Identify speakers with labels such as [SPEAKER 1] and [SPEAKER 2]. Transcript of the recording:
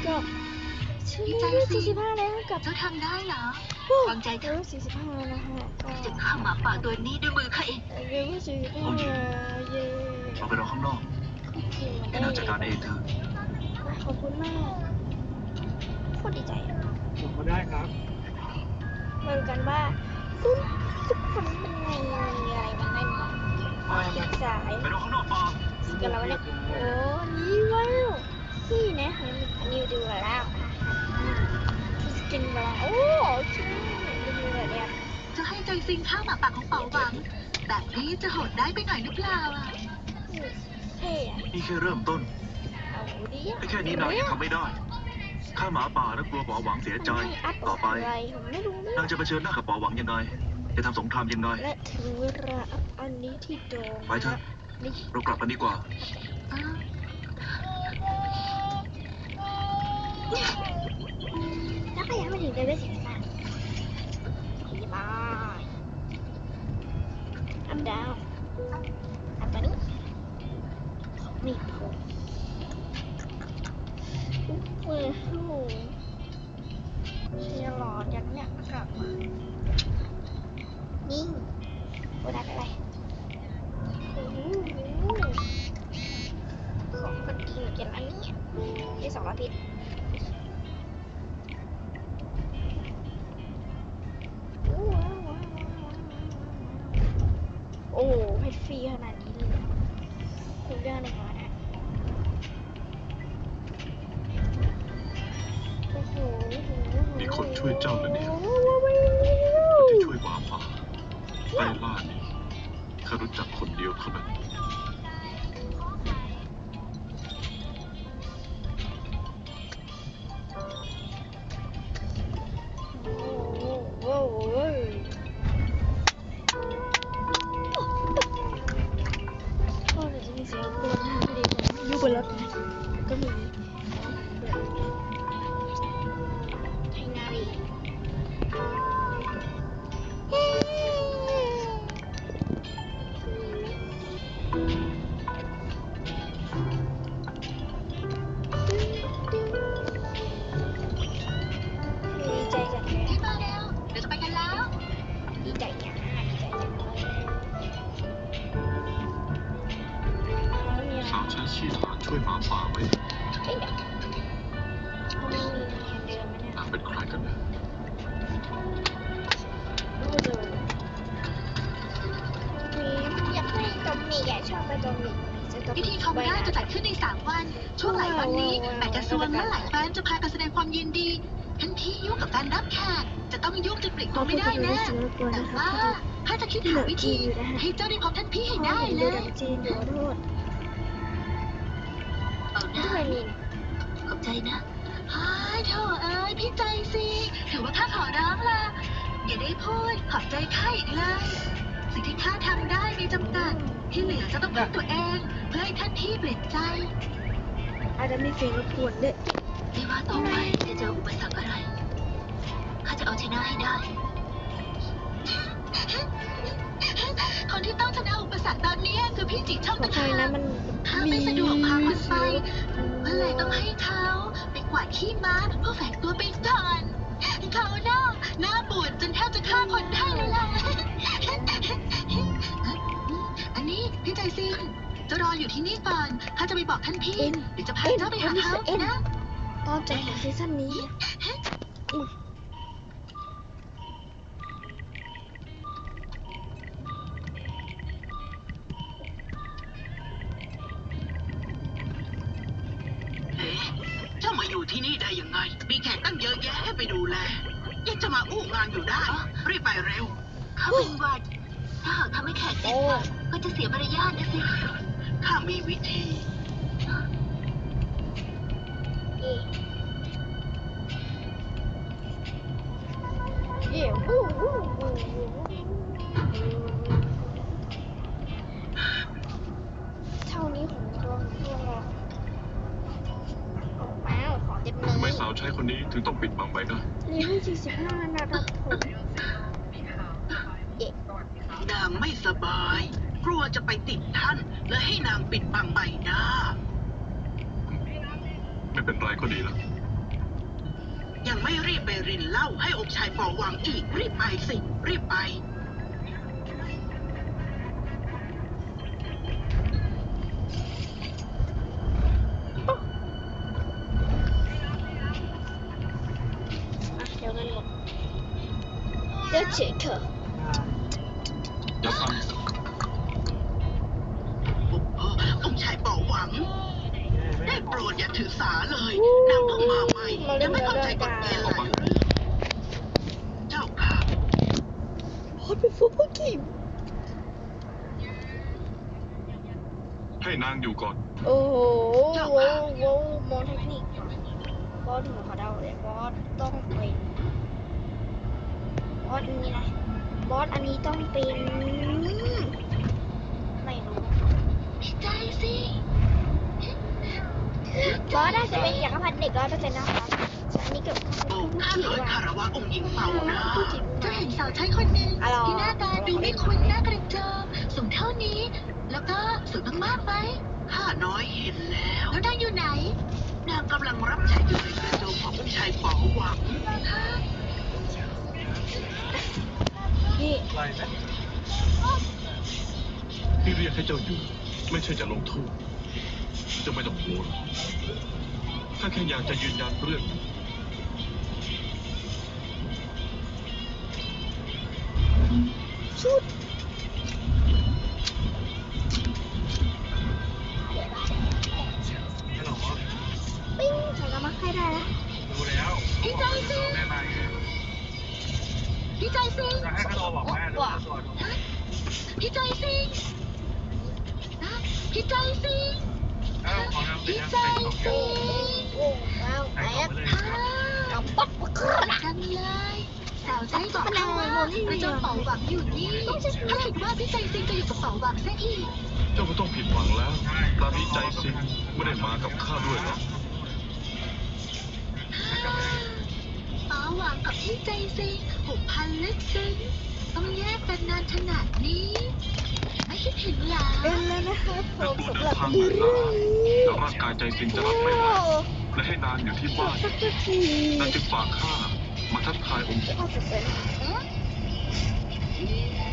[SPEAKER 1] จบชิ้นนี้45แล้วกับ
[SPEAKER 2] เจ้าทำได้เหรอวางใจเถอะ
[SPEAKER 1] 45นะฮะ
[SPEAKER 2] จะฆ่าหมาป่าตัวนี้ด้วยมือข้าเอง
[SPEAKER 1] เรียกว่า45เย้
[SPEAKER 3] เราไปรอข้างนอกให้นางจัดการเองเถอะ
[SPEAKER 1] ขอบคุณมากโคตรดีใจ
[SPEAKER 4] ผมก็ได้ครับ
[SPEAKER 1] มาดูกันว่าซุปคนเป็นไงอะไรมันไงสาย
[SPEAKER 3] ไปรอข้างนอกป่า
[SPEAKER 1] สกันแล้วเนี่ยโอ้นี่ว้าวนี่นะอันนี้ดูแล้วสกินมาแล้วโอ้ใช่ดูเลยเนี่ย
[SPEAKER 2] จะให้ใจซิงฆ่าหมาป่าของเป๋าหวังแบบนี้จะโหดได้ไปหน่อยหรือเปล่าอ่ะ
[SPEAKER 1] เท่อะ
[SPEAKER 3] นี่แค่เริ่มต้นแค่นี้นางยังทำไม่ได้ข้าหมาป่าแล้วกลัวป๋อหวังเสียใจต่อไปนางจะเผชิญหน้ากับป๋อหวังยังไงจะทำสงครามยังไง
[SPEAKER 1] และถึงเวลาอันนี้ที่โดน
[SPEAKER 3] ไปเถอะเรากลับกันดีกว่า
[SPEAKER 1] แล้วก็ยังไม่ถึงเลเวล43ขี่บายอัพดาวอัพตัวนี้ของมีผมโอ้โหเชียร์หลอดยันเนี่ยกลับมานิ่งโอ้ได้อะไรของคนกินเกี่ยวกับอันนี้ที่200 พิษโอ้เพชรฟรีขนาดนี้เลยทุกเรื่องเลยค่ะนะโอ้โห
[SPEAKER 3] มีคนช่วยเจ้าแล้วเนี่ยที่ช่วยหมาป่าไล่ล่านี่ข้ารู้จักคนเดียวเท่านั้น
[SPEAKER 1] บนรถนะก็มีไทนารีดีใจจังเลย
[SPEAKER 2] ที่มาแล้วเดี๋ยวจะไปกันแล้ว
[SPEAKER 1] ดีใจจังดีใจจังเลย
[SPEAKER 3] สาวชั้นชีฐานช่วยหมาป่าไว้นางเป็นใครกันเนี่ย
[SPEAKER 1] อยากไปตรงนี้ชอบไปตรงนี้
[SPEAKER 2] พิธีคอมราจะจัดขึ้นใน3 วันช่วงหลายวันนี้แม่กระทรวงและหลายแฟนจะพากันแสดงความยินดีทันทียุ่งกับการรับแขกจะต้องยุ่งจนปลีกตัวไม่ได้แน่แต่ว่าถ้าจะคิดหาวิธีให้เจ้าได้พบท่านพี่ให้ได้เลยเอาหน้าขอบใจนะโธ่เอ้ยพี่ใจสิถือว่าข้าขอร้องละอย่าได้พูดขอบใจข้าอีกเลยสิ่งที่ข้าทำได้มีจำกัดที่เหลือจะต้องพึ่งตัวเองเพื่อให้ท่านพี่เปลี่ยนใจ
[SPEAKER 1] อาจจะมีเสียงรบกวนด้วย
[SPEAKER 2] ไม่ว่าต่อไปจะเจออุปสรรคอะไรข้าจะเอาชนะให้ได้คนที่ต้องชนะอุปสรรคตอนนี้คือพี่จิช่องตะขาบข้าไม่สะดวกพาคนไปก็เลยต้องให้เขาไปกวาดขี้ม้าเพื่อแฝงตัวไปก่อนเขาหน้าบูดจนแทบจะฆ่าคนได้เลยล่ะอันนี้พี่ใจซิงจะรออยู่ที่นี่ก่อนข้าจะไปบอกท่านพี่เดี๋ยวจะพาเจ้าไปหาเขานะ
[SPEAKER 1] ตอนใจของซีซั่นนี้
[SPEAKER 5] เจ้ามาอยู่ที่นี่ได้ยังไงมีแขกตั้งเยอะแยะให้ไปดูแลยังจะมาอู้งานอยู่ได้รีบไปเร็ว
[SPEAKER 2] เขาเป็นหวัดถ้าหากทำให้แขกเจ็บหวัดก็จะเสียมารยาทนะสิ
[SPEAKER 5] ข้ามีวิธี
[SPEAKER 1] เท่านี้ของดวงว้าวของเต็มเลย
[SPEAKER 3] ทำไมสาวใช้คนนี้ถึงต้องปิดบังใบหน้า
[SPEAKER 1] เลเวล45นะครับผม
[SPEAKER 5] นางไม่สบายกลัวจะไปติดท่านและให้นางปิดบังใบหน้า
[SPEAKER 3] ไม่เป็นไรก็ดีแล้ว
[SPEAKER 5] ยังไม่รีบไปรินเหล้าให้องค์ชายปอหวังอีกรีบไปสิรีบไป
[SPEAKER 1] เดี๋ยวกันหมดเดี๋ยวเฉยเถอะ
[SPEAKER 3] อย่าสั่ง
[SPEAKER 5] องค์ชายปอหวัง ได้โปรดอย่าถือสาเลยนางเพิ่งมาใหม่ยังไม่เข้าใจกฎเกณฑ์หลายเรื่องเจ้าค่ะ
[SPEAKER 1] พอดเป็นฟุตบอลทีม
[SPEAKER 3] ให้นางอยู่ก่อน
[SPEAKER 1] โอ้โหมองเทคนิคบอสหัวเขาเดาเลยบอสต้องเป็นบอสอันนี้นะบอสอันนี้ต้องเป็นไม่รู้
[SPEAKER 2] พี่ใจสิ
[SPEAKER 1] บอสน่าจะเป็นจักรพรรดิเด็ก100%นะคะส่วนอันนี้เกิด
[SPEAKER 5] โอ้ข้าน้อยคารวะองค์หญิงเป่านะ
[SPEAKER 2] เจ้าเห็นสาวใช้คนหนึ่งที่หน้าตาดูไม่คุ้นหน้ากระจอกสูงเท่านี้ แล้วก็สวยมากๆไหม
[SPEAKER 5] ข้าน้อยเห็นแล้ว
[SPEAKER 2] แล้วนางอยู่ไหน
[SPEAKER 5] นางกำลังรับใช้อยู่ในกระโจมขององค์ชายปอหวัง
[SPEAKER 1] นี่
[SPEAKER 3] ที่เรียกให้เจ้าอยู่ไม่ใช่จะลงโทษเจะไม่ต้องห่วงถ้าแค่อยากจะยืนยันเรื่องนี้
[SPEAKER 1] ชุด
[SPEAKER 4] ไม่หรอก
[SPEAKER 1] ปิ้งใส่กระมังให้ได้แล้ว
[SPEAKER 4] ดูแล้ว
[SPEAKER 2] พี่ใจสิ
[SPEAKER 4] แม่มาไง
[SPEAKER 2] พี่ใจสิ
[SPEAKER 4] จะให้เขาโทรบอกแม่ดูตัว
[SPEAKER 2] พี่ใจสิพี่ใจสิ
[SPEAKER 4] เอ้าของเราเป็น
[SPEAKER 2] พี่
[SPEAKER 4] ยัง
[SPEAKER 2] ใจ
[SPEAKER 4] ไง
[SPEAKER 2] สิ
[SPEAKER 1] โอ้ว้าว
[SPEAKER 4] ใส่
[SPEAKER 1] แต
[SPEAKER 4] ของ
[SPEAKER 1] ก
[SPEAKER 4] ไปเลย
[SPEAKER 1] กำปัดปักกระ
[SPEAKER 2] จังเลยสาวใช้บอกเขาว่ากระจกเป๋าหวังอยู่นี่ถ้าคิดว่าพี่ใจสิจะอยู่กับเป๋าหวังซะอีก
[SPEAKER 3] เจ้าไม่ต้องผิดหวังแล้วตอนนี้ใจสิงไม่ได้มากับข้าด้วยหรอก
[SPEAKER 2] เป๋าหวังกับพี่ใจสิผูกพันลึกซึ้งต้องแยกกันนานขนาดนี้ ไม่คิดเห็นหรอ
[SPEAKER 1] เป็นแล้วนะครับผ
[SPEAKER 3] นัก
[SPEAKER 1] ม
[SPEAKER 3] บวช
[SPEAKER 1] สำห
[SPEAKER 3] เดิ
[SPEAKER 1] รั
[SPEAKER 3] น
[SPEAKER 1] บ
[SPEAKER 3] ทาง
[SPEAKER 1] เรื่
[SPEAKER 3] เหนื่อย
[SPEAKER 1] อง
[SPEAKER 3] ล้า
[SPEAKER 1] นี้
[SPEAKER 3] แล้วร่างกายใจสิงจะรับไม่ไหวและให้นานอยู่ที่บ้าน
[SPEAKER 1] สักที
[SPEAKER 3] นางจึงฝากข้ามาทักทายองค์หญิง
[SPEAKER 1] ข้าจะเป็น